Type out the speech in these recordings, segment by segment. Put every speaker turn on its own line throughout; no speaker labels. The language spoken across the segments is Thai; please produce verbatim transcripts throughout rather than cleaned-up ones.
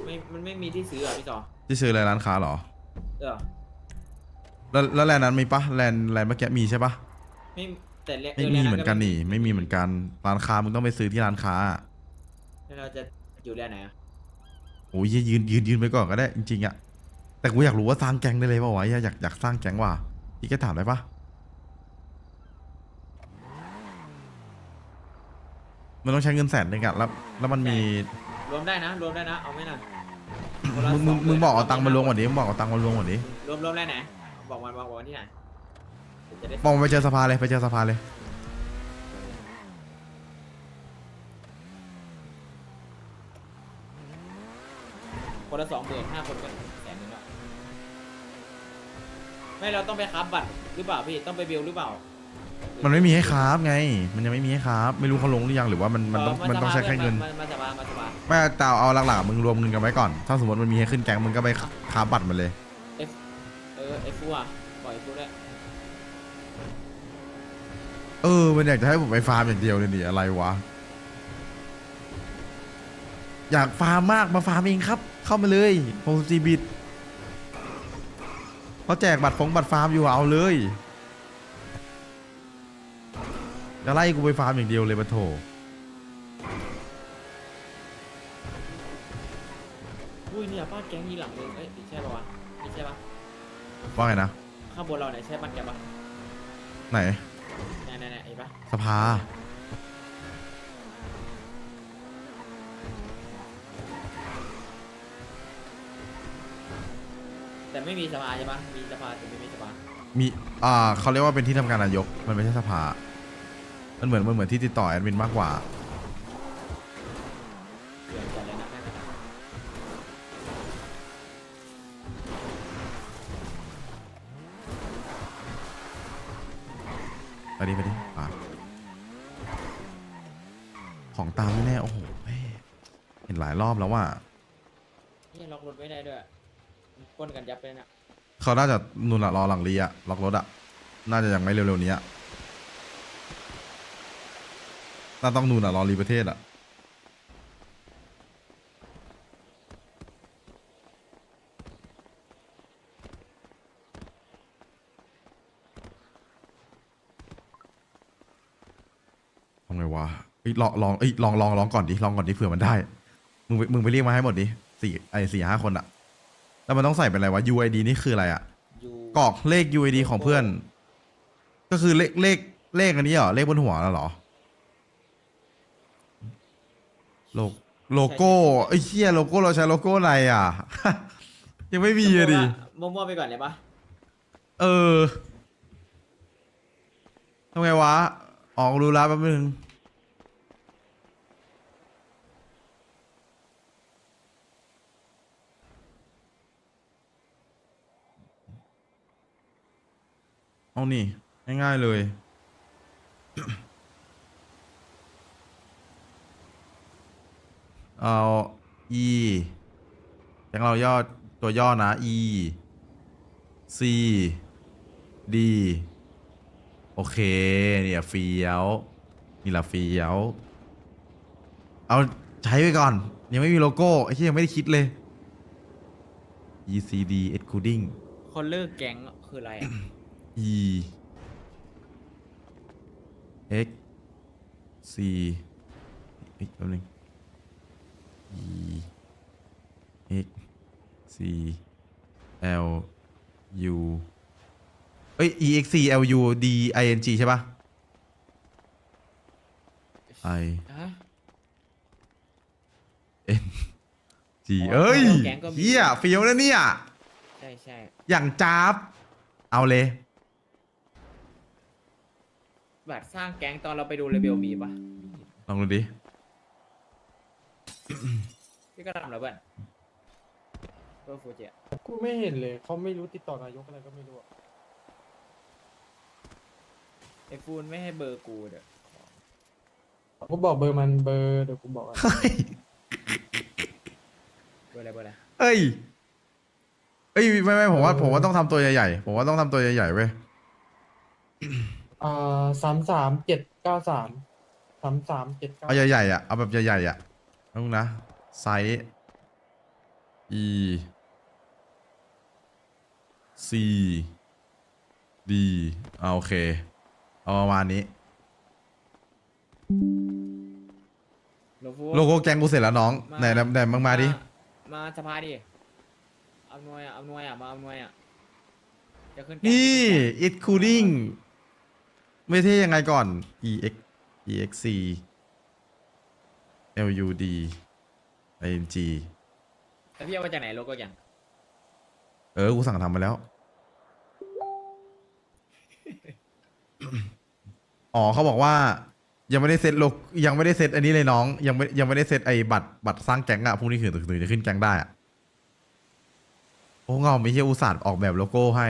ไม่มันไม่มีที่ซื้ออ่ะพี่จอ
ที่ซื้ออะไรร้านค้าเหรอ
เออ
แล้วแล้วแลนด์นั้นมีปะแลนด์แลนด์เมื่อกี้มีใช่ปะ
ไม่แต่เอ
ไม่
อแล้ว
มีเหมือนกัน
นั้นก็ไม่มี
นี่ไม่มีเหมือนกันร้านค้ามึงต้องไปซื้อที่ร้านค้า
แล้วเราจะอยู่แลนไหนอ่ะ
โอ้ยยืนยืนยืนไปก่อนก็ได้จริงๆอะแต่กูอยากรู้ว่าสร้างแก๊งได้เลยป่าวะอยากอยากสร้างแก๊งว่ะพี่แกถามได้ปะมันต้องใช้เงินแสนหนึ่งอะแล้วแล้วมันมี
รวมได้นะรวมได้นะเอาไหมน่ะคนละ
มึงมึง
สองหมื่น
มึงบอกเอาตังค์มาลงก่อน
น
ดิมึงบอกเอาตังค์มาลงก่อนดิ
รวมรวมได้ไหนบอกวันบอกวันที่ไหนเดี๋ยวจะได้
บอกมันไปเจอสภาเลยไปเจอสภาเลย
คนละสองหมื่นห้าคนก็แสนหนึ่งแล้วไม่เราต้องไปคับบัตรหรือเปล่าพี่ต้องไปเบลหรือเปล่า
มันไม่มีให้คราฟไงมันยังไม่มีให้คราฟไม่รู้เขาลงหรือยังหรือว่ามันมันต้องมันต้องใช้แค่เงิน
มาสบายมาสบาย
ไม่แต่เอาหลักๆมึงรวมเงินกันไว้ก่อนถ้าสมมติมันมีให้ขึ้นแก๊งมึงก็ไปคราฟบัตรมันเลย
เอฟเออเอฟฟูอ่ะปล่อยเอฟฟูได้
เออมันอยากจะให้ผมไปฟาร์มอย่างเดียวเลยดิอะไรวะอยากฟาร์มมากมาฟาร์มเองครับ เข้ามาเลยโฮมซีบิตเขาแจกบัตรฟงบัตรฟาร์มอยู่เอาเลยจะไล่กูไปฟาร์มอย่างเดียวเลยปะโถ
อุ้ยเนี่ยป้าแก๊งยีหลังเลยเอ้ยใช่ป่าวะไม่ใช่ปะ
ว่าไงนะ
ข้างบนเราเนี่ยใช่ป้าแกปะ
ไหน
เนี่ยเนี่ยเนี่ยไอ้ปะ
สภา
แต่ไม่มีสภาใช่ปะมีสภาแต่ไม่มีสภา
มีอ่าเขาเรียกว่าเป็นที่ทำการนายกมันไม่ใช่สภามันเหมือนมันเหมือนที่ติดต่อแอดมินมากกว่า
เดี๋ยวจัดเลยนะแม่งนะ
ไปดิไปดิอ่ะของตามแน่ๆโอ้โหแม่เห็นหลายรอบแล้วว่า
นี่ล็อกรถไม่ได้ด้วยปล้นกันยับเลยนะ
เขาน่าจะนุ่นอะรอหลังเรียอะล็อกรถอะน่าจะยังไม่เร็วๆนี้อะน่าต้องนุ่นอะรอรีประเทศอะทำไงวะเอ้ยลองลองเอ้ยลองลองลองก่อนดิลองก่อนดิเผื่อมันได้มึงไปมึงไปเรียกมาให้หมดดิสี่ไอ้สี่ห้าคนอะแล้วมันต้องใส่เป็นอะไรวะ ยู ไอ ดี นี่คืออะไรอะ
ยู
กรอกเลข ยู ไอ ดี ของเพื่อนก็คือเลขเลขเลขอันนี้เหรอเลขบนหัวแล้วเหรอโลโลโก้ไอ้เหี้ยโลโก้เราใช้โลโก้อะไรอ่ะ ยังไม่มีอะดิ
มั่วๆไปก่อนเลยปะ
เออทำไงวะออกรู้แล้วแป๊บนึงเอานี่ง่ายๆเลยเอา e อย่างเราย่อตัวย่อนะ e c d โอเคเนี่ยเฟี้ยวนี่แหละเฟี้ยวเอาใช้ไปก่อนยังไม่มีโลโก้ไอ้ที่ยังไม่ได้คิดเลย e c d excluding
คนเลิกแก๊งคืออะไรอ่ะ
e x c อีกแป๊บนึง e x c l u เอ้ย e x c l u d i n g ใช่ปะ i
ฮะ
n g เอ้ย
แก๊งก็มี
เฮียเฟี้ยวนะเนี่ย
ใช่ใช่
อย่างจ้าบเอาเลย
บัตรสร้างแก๊งตอนเราไปดูเรเบลมีปะ
ลองดูดิ
พี่ก็ทำแล้วเพื่อนเพื่อฟูจิอะ
กูไม่เห็นเลยเขาไม่รู้ติดต่อนายกอะไรก็ไม่รู้อะ
ไอฟูนไม่ให้เบอร์กูเด้อ
กูบอกเบอร์มันเบอร์เดี๋ยวกูบอกอะ
เฮ้ย
เบอร์อะไรเบอร์อะไร
เอ้ยเอ้ยไม่ไม่ผมว่าผมว่าต้องทำตัวใหญ่ๆผมว่าต้องทำตัวใหญ่ๆเว้ย
อ่าสามสามเจ็ดเก้าสามสามสามเจ็ดเก้า
เอาใหญ่ๆอ่ะเอาแบบใหญ่ๆอ่ะต้องนะไซส์ E C D อ่าโอเคเอาประมาณนี้
โลโก้
โลโก้แกงกูเสร็จแล้วน้อง
มา
ไหนไหนไหนมึงมาดิ
มาสภาดิอำนวยอ่ะอำนวยอ่ะมาอำนวยอ่ะจะขึ้นแก๊ง
นี่
จะขึ้แก๊ง
it cooling ไม่เท่ยังไงก่อน E X E X C L U D I N G
แต่พี่เอามาจากไหนโลโก้ยัง
เออ กูสั่งทำมาแล้ว อ๋อเขาบอกว่า ยังไม่ได้เซ็ตโลกยังไม่ได้เซ็ตอันนี้เลยน้อง ยังไม่ยังไม่ได้เซ็ตไอ้บัตรบัตรสร้างแก๊งอะพรุ่งนี้ถึงถึงจะขึ้นแก๊งได้อะโอ้เงาไม่ใช่อุตส่าห์ออกแบบโลโก้ให้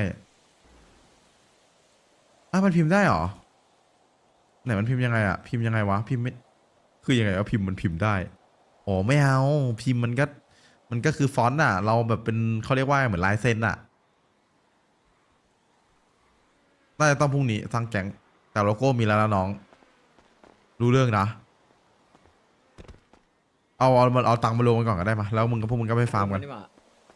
อ่ะมันพิมพ์ได้เหรอ ไหนมันพิมพ์ยังไงอะพิมพ์ยังไงวะ พิมพ์ไม่ คือยังไงวะพิมพ์มันพิมพ์ได้ อ๋อไม่เอา พิมพ์มันก็ มันก็คือฟอนต์อะเราแบบเป็นเขาเรียกว่าเหมือนลายเซ็นอะน่าจะต้องพรุ่งนี้สร้างแก๊งแต่โลโก้มีแล้วนะน้อง รู้เรื่องนะ เอาเอาเอาตังค์มาลงกันก่อนก็ได้มาแล้วมึงกับพวกมึงก็ไปฟาร์มกัน
นี่มา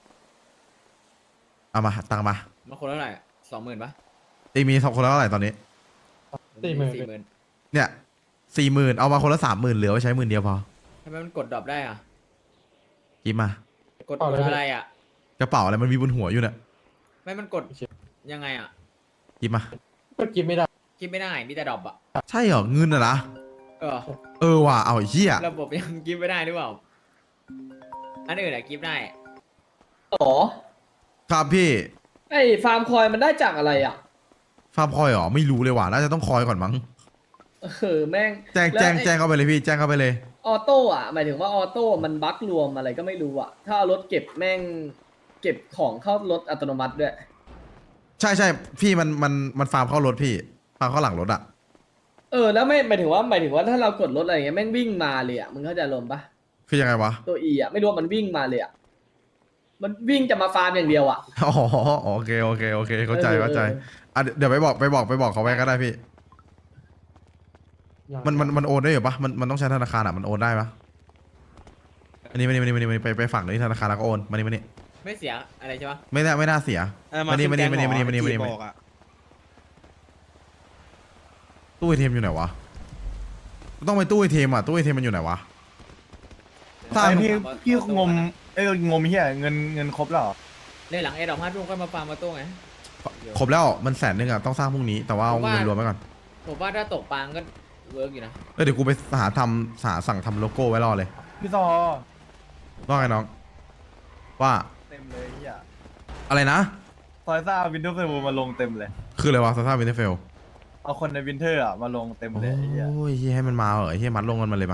เอามาตังค์มา
มาคนละเท่าไหร่สองหมื่นปะ
เองมีสองคนแล้วเท่าไหร่ตอนนี้
สี่หมื่น
สี่หมื่น
เนี่ยสี่หมื่นเอามาคนละสามหมื่นเหลือไว้ใช้หมื่นเดียวพอ
ทำไมมันกดดรอปได้อ่ะ
กินมาก
ดกดอะไรอ่ะ
กระเป๋าอะไรมันมีบนหัวอยู่เนี่ย
ไม่มันกดยังไงอ่ะ
กินมา
ก็กินไม่ได้
คิดไม่ได้มีแต่ดรอปอ่ะ
ใช่เหรอเงินอะนะ
เออ
เออว่ะเอาไอ้เหี้ย
ระบบยังกิฟไม่ได้หรือเปล่าอันอื่นอะกิฟได้
อ๋อ
ครับพี่
ไอ้ฟาร์มคอยมันได้จากอะไรอ่ะ
ฟาร์มคอยเหรอไม่รู้เลยว่ะน่าจะต้องคอยก่อนมั้ง
เออแม่ง
แจ้ง
ล้ว
แจ้ง
ไอ้
แจ้งเข้าไปเลยพี่แจ้งเข้าไปเลย
ออโต้อ่ะหมายถึงว่าออโต้มันบั๊กรวมอะไรก็ไม่รู้อ่ะ ถ้าเอารถเก็บแม่งเก็บของเข้ารถอัตโนมัติด้วย
ใช่ใช่พี่มันมันมันฟาร์มเข้ารถพี่ฟาร์มเข้าหลังรถอะ
เออแล้วไม่หมายถึงว่าหมายถึงว่าถ้าเรากดรถอะไรอย่างเงี้ยแม่งวิ่งมาเลยอ่ะมึงเข้าใจลมณ์ปะ
คือยังไงวะ
ตัวอีอ่ะไม่รู้ว่ามันวิ่งมาเลยอ่ะมันวิ่งจะมาฟาร์มอย่างเดียวอ่ะ
อ๋อโอเคโอเคโอเคเข้าใจ
เออ
เข้าใจ
เออ
อ่ะเดี๋ยวไปบอกไปบอกไปบอกเขาไว้ก็ได้พี่ มันมันมันโอนได้อยู่ปะมันมันต้องใช้ธนาคารอ่ะมันโอนได้ปะอันนี้มานี่มานี่มานี่มานี่ไปไปฝั่งนี้ธนาคารแล้วก็โอนมานี่มานี่
ไม่เสียอะไรใช่ปะ
ไม่น่าไม่น่าเสีย
เออ
มานี่มานี่มานี่มานี่
ขึ้
มานี่มา
แก๊
นี่
ง
มา
หร
นี่
อบอกอะ
ตู้ไอเทมอยู่ไหนวะต้องไปตู้ไอเทมอ่ะตู้ไอเทมมันอยู่ไหนวะสร้าง
ไอ้พี่พี่งมเอ้ยงมเฮียเงินเงินครบแล้วเหรอ
ในหลังเอดอกห้าทุ่มก็มาฟาร์มมาตู้ไง
ครบแล้วมันแสนนึงอ่ะต้องสร้างพรุ่งนี้แต่ว่าเอา
ผมว่า
เงินรวมไปก่อน
ผมว่าถ้าตกปางก็เวิร์กอยู่นะ
เออเดี๋ยวกูไปหาทำหาสั่งทำโลโก้ไว้รอเลย
พี่ซอ
ว่าไงน้องว่า
เต็มเลยเฮีย
อะไรนะ
ซอยซ่าวินเทอร์เฟลมาลงเต็มเลย
คืออะไรวะซาซ่าวินเทอร์เฟล
เอาคนในวินเทอร์อ่ะมาลงเต็ม
โอ้
เลยไอ้เฮีย
ยเหี้ยให้มันมาเหรอเฮียมัดลงกันมาเลยมา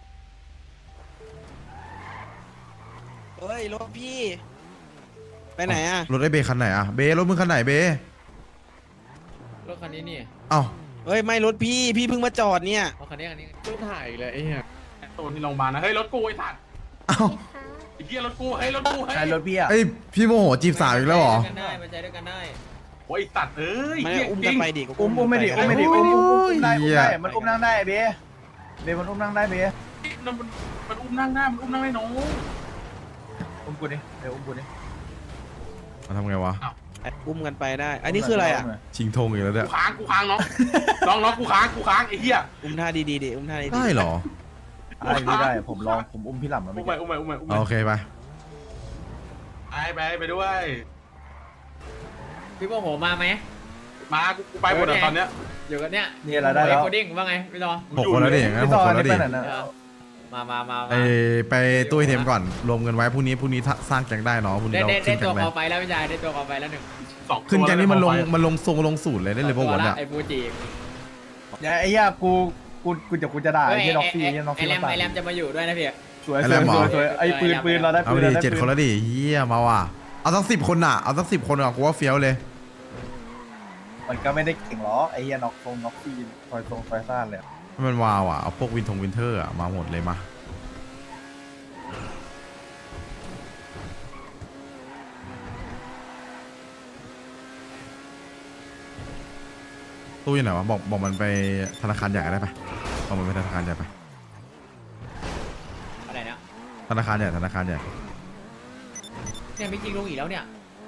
เฮ้ยรถพี่ ไปไหนอะ
รถไอ้เบคันไหนอ่ะเบรถมึงคันไหนเบ
รถคันนี้นี่
เอ้า
เฮ้ยไม่รถพี่พี่เพิ่งมาจอดเนี่ย
เอาคันนี้คันนี้
ตู้ถ่ายเลยไอ้เหี้ยตัวที่โรงพยาบาลนะ เฮ้ย รถกูไอ้สัตว์
เอ้า
ไอ้เหี้ยรถกู เฮ้ย รถกู เฮ้ย
ใช้รถพี่อ่ะ
ไอยพี่โมโหจีบสาวอีกแล้วเหรอ
มันใจด้วยกันได้มันใจด้วยกันได้
โอ้ยไอ้สัตว์เอ้ย
ไม่
เหี้ย
อุ้ม
จ
กั
ริ
น
ง
ไปดิ
อุ้มอุ้มไม่ดิอุ้มไม่ดิอุ้มอุ้มอุ้มได้อุ้มได้
เหี้ย
มันอุ้มนั่งได้เบเบมันอุ้มนั่งได้เบ
มันมันมันอุ้มนั่งได้มันอุ้มนั่งได้น้อง
อุ้มกูดิเดี๋ยวอุ้มกูดิ
มาทำไงวะ
อุ้มกันไปได้ อันนี้คืออะไรอะ
ชิงธงอีกแล้วเนี่ย
กูค้างกูค้างน้อง น้องน้องกูค้างกูค้างไอ้เหี้ย
อุ้มท่าดีๆดิอุ้มท่าดีๆ
ได้เหรอ
ได้พี่ได้ผมลองผมอุ้มพี่หล่ำมา
อุ้
ไม่
มไป
เก็บ
อุ้มไปอุ้มไปอุ้ม
เอาโอเคไป
ไปไปไปด้วย
พี่โมโหมาไหม
มากูกูไปหมดอะตอนเนี้ย
อยู่กันเนี้ย
นี่อะไรได้แล้ว
โคดิ้งว่าไงพี่ต่อ
หกคนแล้วดิอย่างงั้น
พี่
ห
ซ
ก
อ
คนแล้ว
นี่
ดิ
ไปไหนนะ
เออมามามา
ไอ
มา
ไปตู้ไอเทมก่อนรวมเงินไว้พรุ่งนี้พรุ่งนี้ถ้าสร้างแก๊งได้เนาะพรุ่ง
ได้
นี้เรา
ได้
ขึ้
ได้
นแก๊
ตัว
งไหม
คอไฟแล้วพี่ชายได้ตัวคอไฟแล้วหนึ่ง
สองตัว
ขึ้นแก๊งนี่มันลง
แล้ว
มันลงทรงลงสูตรเลยได้เลยปะ
ตัว
วัน
ละ
เนี่ย
ไอ้ฟูจิ
อย่าไอ้เหี้ยกูกูกูจะกูจะด่า
เฮ้
ไอ้
ย
เหี้ยน็อกฟี่
ไอ้
ไอ้เหี้ยน็อก
ไอ้
ฟี่
แรม
มาตาย
ไอ้แรมจะมาอยู่ด้วยนะพี่
สวย
ไอ้
ส
แร
วย
มเหรอ
สวยสวยไอ้ปืนปืนเราได้
เอา
ปื
ไป
น
ดิ
เราได้
เจ็ด
ปื
คนแล้วดิเฮียมาว่ะเอาสักสิบคนอ่ะเอาสักสิบคนอ่ะกูว่าเฟี้ยวเลย
มันก็ไม่ได้เก่งหรอกไอ้เหี้ยน็อกทรงน็อกฟี่ซอยทรงซอยซ่านเลย
ให้มันวาวอ่ะเอาพวกวินทงวินเทอร์อ่ะมาหมดเลยมาตู้อยู่ไหนวะบอกบอกมันไปธนาคารใหญ่ก็ได้ปะบอกมันไปธนาคารใหญ่ไป
อะไรนะ
ธนาคารใหญ่ธนาคารใหญ่
เนี่ยไม่จริงลงอีกแล้วเนี่ย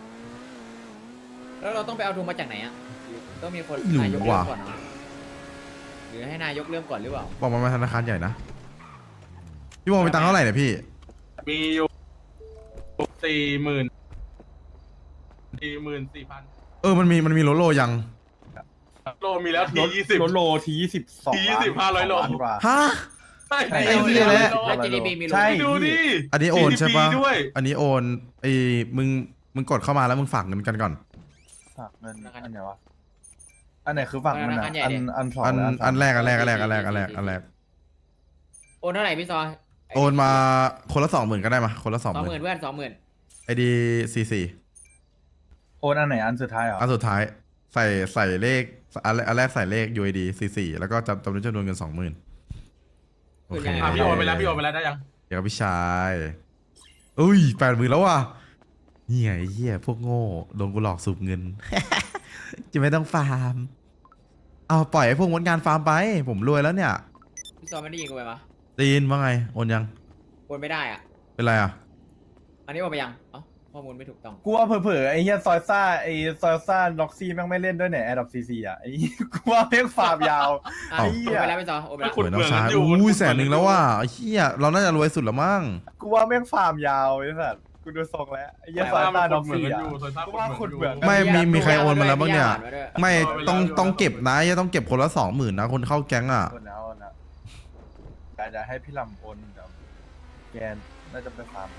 แล้วเราต้องไปเอาทุนมาจากไหนอ่ะต้องมีคน
ไม่รู้
นายกเริ่
ว่ะ
มก่อนเนาะหรือให้นายกเริ่มก่อนหรือเปล่า
บอกมันมาธนาคารใหญ่นะพี่โมมีตังค์เท่าไหร่เนี่ยพี่
มีอยู่สี่หมื่นสี่หมื่นสี่พัน
เออมันมีมันมีโลโลยัง
โลมีแล้วทียี่สิบ
รถโลทียี่สิบสอง
ทียี่สิบห้าร้อยโล
ล้านกว่า
ฮะ
ใช่
ไอ้
ไอ้เหี้ยแล้ว
แล้ว จี ดี พี มีลง
ใช่
ดูดิ
อันนี้โอนใช่ปะ
จี ดี พี ด้วย
อันนี้โอนไอ้มึงมึงกดเข้ามาแล้วมึงฝากเงินกันก่อน
ฝากเงินอันไหนวะอันไหนคือฝากเงิน
ธนา
อ่ะ
คารใหญ่
อัน
ดิ
อันสอง
อัน
หรืสาม
อันแรกอันแรกอันแรกอันแรกอันแรกอันแรก
โอนเท่าไหร่พี่ซอ
โอนมาคนละสองหมื่นก็ได้มาคนละสอง
สอง
ห
ห
มื่
มื่
น
นเพื่อนสองหมื่น
ไอดีซีซี
โอนอันไหนอันสุดท้ายเหรอ
อันสุดท้ายใส่ใส่เลขอันแรกอันแรกใส่เลข ยู ไอ ดี ซีซีแล้วก็จำจำนวนจำนวนเงินสองหมื่นโอเค
อ่ะพี่โอนไปแล้วพี่โอนไปแล้วได้ยัง
เดี๋ยวพี่ชายอุ้ยแปดหมื่นแล้วว่ะนี่ไงไอ้เหี้ยพวกโง่โดนกูหลอกสูบเงิน จะไม่ต้องฟาร์มเอาปล่อยให้พวกมดงานฟาร์มไป ผมรวยแล้วเนี่ย
พี่ซอไม่ได้ยินกูไปปะ
ตีนว่าไงโอนยัง
โอนไม่ได้อ่ะ
เป็นไรอ่ะ
อันนี้โอนไปยังเอ้าข้อมูลไม่ถูกต้อง
กูว่าเผลอๆไอ้เฮียซอยซ่าไอ้ซอยซ่าล็อกซี่แม่งไม่เล่นด้วยเนี่ยแอดดอปซีซีอ่ะไอ้เหี้ยกูว่าเพียงฟาร์มยาว
อ่ะ
เอ้า
โอนไปแล้วพี่ซอโอนไปแล้ว
สวยน้องชายอุ้ยแสนหนึ่งแล้วว่ะไอ้เหี้ยเราน่าจะรวยสุดแล้วมั้ง
กูว่าแม่งฟาร์มยาวไอ้สัสกูดูทรงแล้วไอ้เฮียซอยซ่าล็อกซี่อ่ะ กูว่าขุดเหมือง
ไม่มีมีใครโอนมาแล้วบ้างเนี่ย
มีญาติ
ไม่ต้องต้องเก็บนะยังต้องเก็บคนละสองหมื่นนะคนเข้าแก๊งอ่ะ
โอนแล้วโอนแล้วแต่จะให้พี่ลำโอนเดี๋ยวแกน่าจะไปฟาร์ม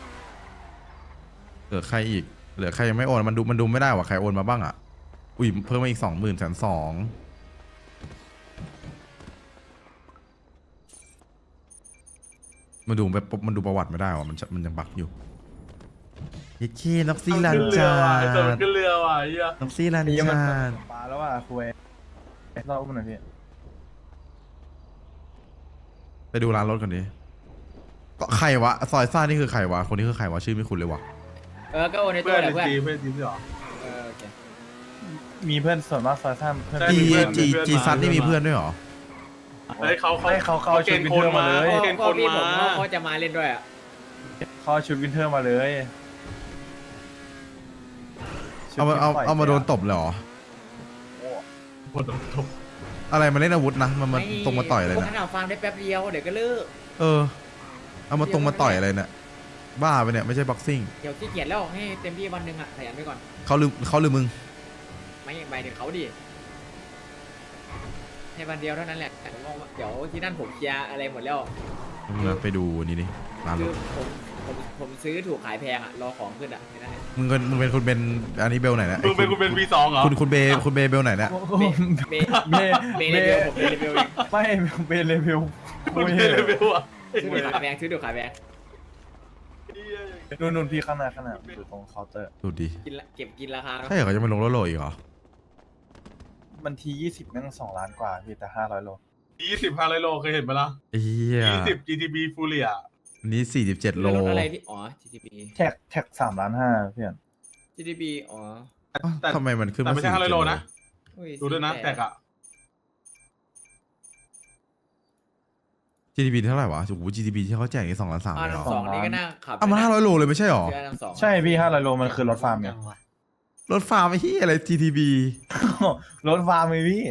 เหลือใครอีกเหลือใครยังไม่โอนมันดูมันดูไม่ได้ว่าใครโอนมาบ้างอ่ะอุ้ยเพิ่มมาอีกสองหมื่นแสนสองมันดูแบบมันดูประวัติไม่ได้ว่ะมันจะมันยังบักอยู่เฮ้ยเคน็อกซี่ลันจา
ไอ้ตัวมันขึ้นเรือว่ะไอ้เหี้ย
น็อกซี่ลัน
ไอ้เหี้ยมัน
จา
ปลาแล้วว่ะคุยเล่าอุ้มหน่อยพี่
ไปดูร้านรถก่อนดิก็ใครวะซอยซ่านี่คือใครวะคนนี้คือใครวะชื่อไม่คุ้นเลยวะ
เออก็โอนในตั
เพื่
ว
อน
แหละเพื่อน
จีเพื่อนจีพี่หรอ
เออโอเค
มีเพื่อนส่วนมากซอยซ่าเพื่อน
ใช่
จี
มีเพื่อน
จี
มีเพื่อน
จี
มา
ซัดนี่
มี
มี
เพื่
เพื่
อ
อน นด้วยเหรอ
เฮ้ยเขาเขา
ไม่เขาเขาเอา
เก
ชุด
ณฑ์
วิน
ค
เทอน ร์
มา
มาเลย
เกณฑ์
พ่
ค
อน พี่ผม
มา
เขาจะมาเล่นด้วยอ่ะ
เขาเอาชุดวินเทอร์มาเลย
เอามาเอาเอามาโดนตบเลยเหรอ
หมดจบ
อะไรมาเล่นอาวุธนะมันมาตรงมาต่อยอะไร
พวก
เนี่ย
นั้นเอาฟังได้แป๊บเดียวเดี๋ยวก็เลิก
เออ เอามาตรงมาต่อยอะไรเนี่ยบ้าไปเนี่ยไม่ใช่บ็อกซิ่ง
เดี๋ยวขี้เกียจแล้วให้เต็มที่วันหนึ่งอ่ะขยันไปก่อน
เขาลืมเขาลืมมึง
ไม่ไปถึงเขาดิให้วันเดียวเท่านั้นแหละผมมองว่าเดี๋ยวที่นั่นผมเคลียร์อะไรหมดแล้ว
มึงนะไปดูนี่ดิร้านร
คือ
ถ
ผมผมผมซื้อถูกขายแพงอ่ะรอของขึ้นอ่ะแค่นั้นเอง
มึงเป็นมึงเป็นคุณเป็นอันนี้เบลไหนเนี่ย
มึงเป็นคุณเป็นวีสองเหรอ
คุณคุณเบคุณเบเบลไหนเนี่ย
เบ
เบ
เบ
เบ
เลเวลผมเบเลเวลเอง
ไม่เบเลเวล
คุณเป็นเลเวลอ่ะ
ซื้อถูกขายแพงซื้อถูกขายแพง
นู่นนู่นพี่ข้างหน้าข้างหน้าอยู่ตรงเคาน์เตอร์
ดูดิ
กินละเก็บกินราคาเนอะ
ใช่เหรอเขาจะมาลงรถโหลอีกเหรอ
มันทียี่สิบแม่งสองล้านกว่าพี่แต่ห้าร้อยโล
ยี่สิบห้าร้อยโลเคยเห็นไหมล่ะ
เฮีย
ยี่สิบ จี ที บี ฟูเรีย
อันนี้สี่สิบเจ็ดโล
รถอะไรที่อ๋อ จี ที บี
แท็กแท็กสามล้านห้าเพื่อน
จี ที บี อ๋อ
แต่
ทำไมมันขึ้น
แต่
มา
ไม่ใช่ห้าร้อยโลนะ
อุ้
ดูด้วยนะ
สี่
แท็ก
ปด
อ่ะ
จี ที บี เท่าไหร่วะโอ้โห จี ที บี ที่เขาแจกนี่สองล้านสาม
อ่า
เลยเหรอ
น้ำสองนี่ก็น่าขับ
เอามาห้าร้อยโลเลยไม่ใช่เหรอ
เชื่อน้ำสอง
ใช่พี่ห้าร้อยโลมันคือรถฟาร์มไง
รถฟาร์มไอ้เฮียอะไร จี ที บี
รถฟาร์มไงพี่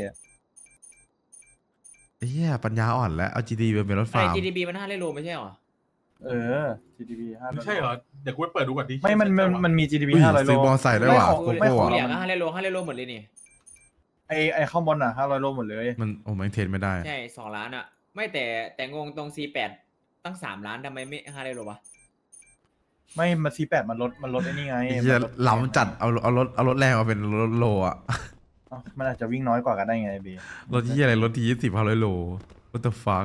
ไอ้เฮียปัญญาอ่อนแล้วเอา จี ที บี เป็นรถ
ไอ้
ฟาร์ม
จี ที บี มันห้าร้อยโลไม่ใช่เหรอ
เออ จี ที บี ห้าร้อย
ไม่ใช่เหรอ เดี๋ยวกูไปเปิดดูก่อนดิ
ไม่มันมันมันมี จี ที บี
อุ้ย
ห้าร้อยโล
ซื้อบอลใส่ด้วยว่ะ
ไม่
โก
ของ
โก้
ไม่
อะ
ของ
เหลียงก็ห้าร้อยโลห้าร้อยโลหมดเลยนี่
ไอไอข้างบนอ่ะห้าร้อยโลหมดเลย
มันโอ้แม่งเทรนไม่ได้
ใช่สองล้านอ่ะ ไม่แต่แต่งงตรง ซี แปด ตั้งสามล้านทำไมไม่ห้าร้อยโลวะ
ไม่มาซีแปดมันลดมันลดไอ้นี่ไง
ไอ้เฮีย
มันลด
ล้ำจัดเอาเอารถเอารถแรงมาเป็นรถโลอ่ะ
เอ้ามันอาจจะวิ่งน้อยกว่ากันได้ไงบี
รถที่อะไรรถที่ยี่สิบห้าร้อยโล what the fuck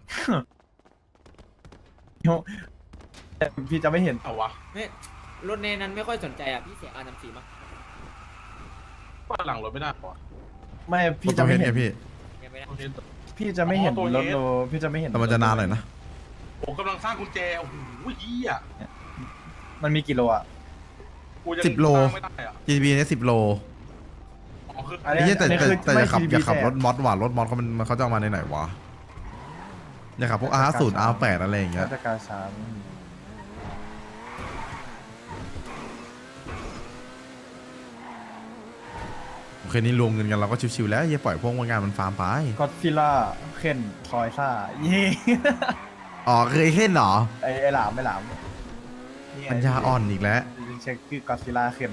แต่พี่จะไม่เห็น
เอาวะ
ไม่รถในนั้นไม่ค่อยสนใจอ่ะ พี่เสียอาร์สามสี่มั้ง
ว่าหลังรถไม่ได้ปะ
ไม่
ร
พี่
ถตั
จะ
วเฮ
ไม่
ด
เห็
ไง
น
พี่
ยังไม่ได้
โอเค
พี่จะไม่เห็น
อ๋อตัว
รถ
เฮด
โลพี่จะไม่เห็น
แต่มันจะนานหน่อยนะ
ผมกำลังสร้างกุญแจ โอ้โหเหี้ย
มันมีกี่โลอ่ะ
กูยัง
สิบโล
สร้างไม่ได้อะ
จี ที บี เนี่ยสิบโล
อ๋อคือ
อัน
ไอ้
นี้
เหี้ยแต่
อันนี้
แต่
คือ
แต่
ไม่
อย่าขับ
จี
อ
ที
ย่าขับ
แส
รถมอสว่ะรถมอสเขามันมันเขาจะเอามาในไหนวะอย่าขับพวก อาร์ ศูนย์ อาร์ แปด อะไรอย่างเงี้ย
ราชการสาม
เคยนี้รวมเงินกันเราก็ชิวๆแล้วอย่าปล่อยพวกงานมันฟาร์มไป
ก็ซิล่าเคนซอยซ่าเย่
อ๋อเคยเห็นเหรอ
ไอไอหลามไม่หลามนี่ไง
ปัญญาอ่อนอีกแล้ว
เช็คคือกอซิล่าเคน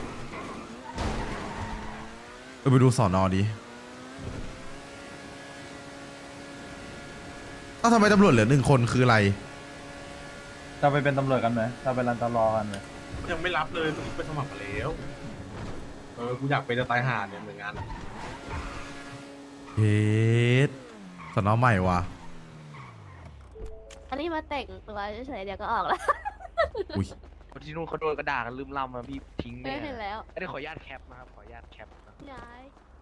เออไปดูสอนอดิเอ้าทำไมตำรวจเหลือหนึ่งคนคืออะไร
เราไปเป็นตำรวจกันไหมเราไปรันตลอกันไหม
ยังไม่รับเลยต้องไปสมัครมาแล้ว เออ กูอยากเป็นจะตายห่าเนี่ยเหมือนงานอะ
เฮ็ดสอนอใหม่วะ
อันนี้มาแต่งตัวเฉยๆเดี๋ยวก็ออกแล้ว
อุ้ย
คนที่นู่นเขาโดนกระด่ากันลืมลำมาพี่ทิ้ง
ไม่
เนี่ย
เห็นแล้ว
อันนี้ขออนุญาตแคปนะครับ ขออนุญาตแคปนะ
ย้าย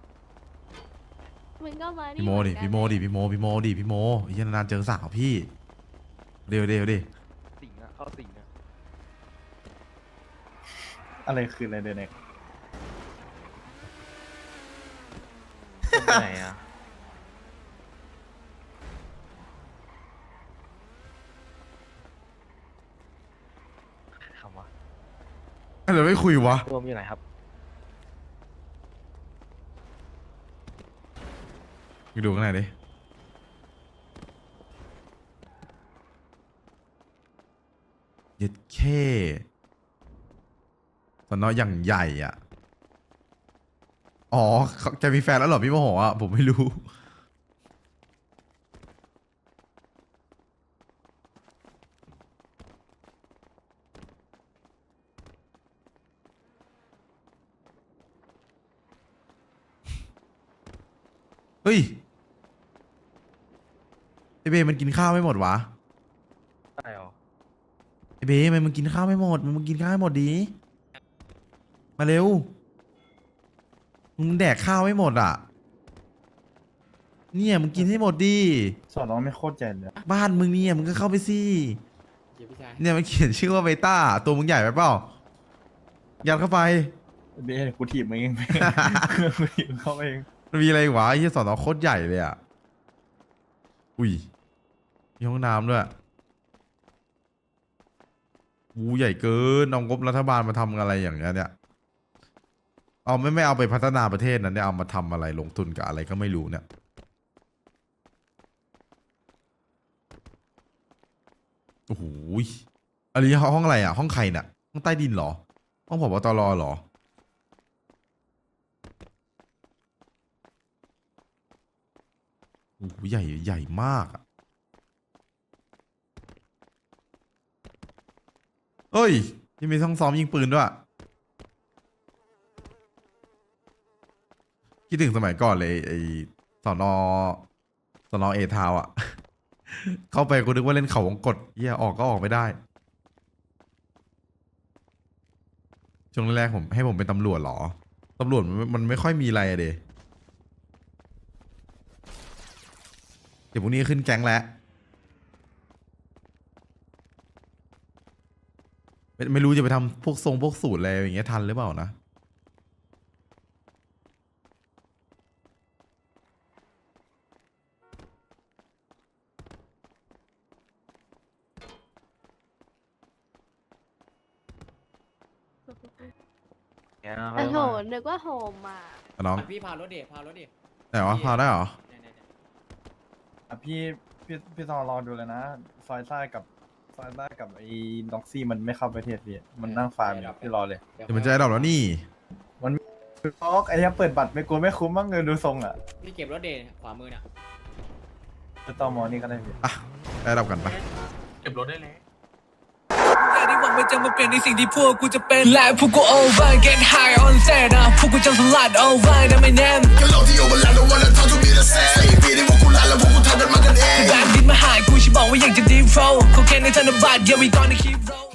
มึงก็มานี่
พี่โมดิ
เหอนกัน
พี่โมดิพี่โมพี่โมดิพี่โมไอ้เหี้ยนานๆเจอสาวพี่เร็วเร็วดิ
สิงอะเข้าสิงอะ
อะไรคืออะไรเดนเน็ก
ไปไหนอะคำว่า
อะไรไม่คุยวะ
รวมอยู่ไหนครับ
ไปดูข้างในดิเย็ดแค่สอนออย่างใหญ่อ่ะ อ๋อเขาจะมีแฟนแล้วเหรอพี่โมโหอ่ะ ผมไม่รู้ เฮ้ยไอเบมันกินข้าวไม่หมดวะ
ใช่หรอ
ไอเบมันมึงกินข้าวไม่หมดมึงกินข้าวให้หมดดีมาเร็วมึงแดกข้าวไม่หมดอ่ะเนี่ยมึงกินให้หมดดี
สอนน้องไม่โคตรใหญ่เลย
บ้านมึงเนี่ยมึงก็เข้าไปสิ
เดี๋ยวพี่ชาย
เนี่ยมันเขียนชื่อว่าเบต้าตัวมึงใหญ่ไปเปล่ายัดเข้าไป
เบสกูถีบมึงเอง กูถีบเขาเอง
มันมีอะไรอีกวะไอ้เหี้ยสอนอโคตรใหญ่เลยอ่ะอุ้ยมีห้องน้ำด้วยวูใหญ่เกินเอางบรัฐบาลมาทำอะไรอย่างเงี้ยเนี่ยเอาไม่ไม่เอาไปพัฒนาประเทศนั้นเนี่ยเอามาทำอะไรลงทุนกับอะไรก็ไม่รู้เนี่ยโอ้โหอันนี้ห้องอะไรอ่ะห้องใครเนี่ยห้องใต้ดินเหรอห้องผบตรเหรอโอ้โหใหญ่ใหญ่มากอ่ะเฮ้ยยังมีห้องซ้อมยิงปืนด้วยคิดถึงสมัยก่อนเลยไอ้สอนอสอนอเอทาวอ่ะ เข้าไปกูนึกว่าเล่นเขาวงกตเหี้ยออกก็ออกไม่ได้ช่วงแรกๆผมให้ผมเป็นตำรวจเหรอตำรวจมันมันไม่ค่อยมีอะไรอะเดเดี๋ยวพรุ่งนี้ขึ้นแก๊งแล้วไม่ไม่รู้จะไปทำพวกทรงพวกสูตรอะไรอย่างเงี้ยทันหรือเปล่านะ
เนี่ย
แต่โหนึกว่าโฮมมา
อ่ะน้อง
พี่พารถเดพารถเด
ไหนวะพาได้เหรอ
เนี่ยเนี่ยเนี่ย
อ่ะพี่พี่พี่ตอรอดูเลยนะ ซอยซ่ากับซอยซ่ากับไอ้ด็อกซี่มันไม่เข้าประเทศพี่มันนั่งฟาร์มอยู่พี่รอเลย
เดี๋ยวมันจะได้ดอกแล้วนี่
ล็อกไอ้เหี้ยเปิดบัตรไม่กลัวไม่คุ้มมั้งเงินดูทรงอ่ะ
พี่เก็บรถเดขวามือน่ะ
จะต่อมอนี่ก็ได้พี่
อ่ะได้ดอกกันไป
เก็บรถได้แล้ว
อย่าได้หวังมันจะมาเปลี่ยนในสิ่งที่พวกกูจะเป็นและพวกกู over get high on set นะพวกกูจะสลัด over นะไม่แน่ก็โลกที่โอเวอร์แลนด์ don't wanna talk to me the same สี่ปีที่พวกกูลาแล้วพวกกูทำกันมากันเองแบบดินมาหายกูฉันบอกว่าอยากจะ deep flow เขาแค่ในธนบัตร yeah we gonna keep roll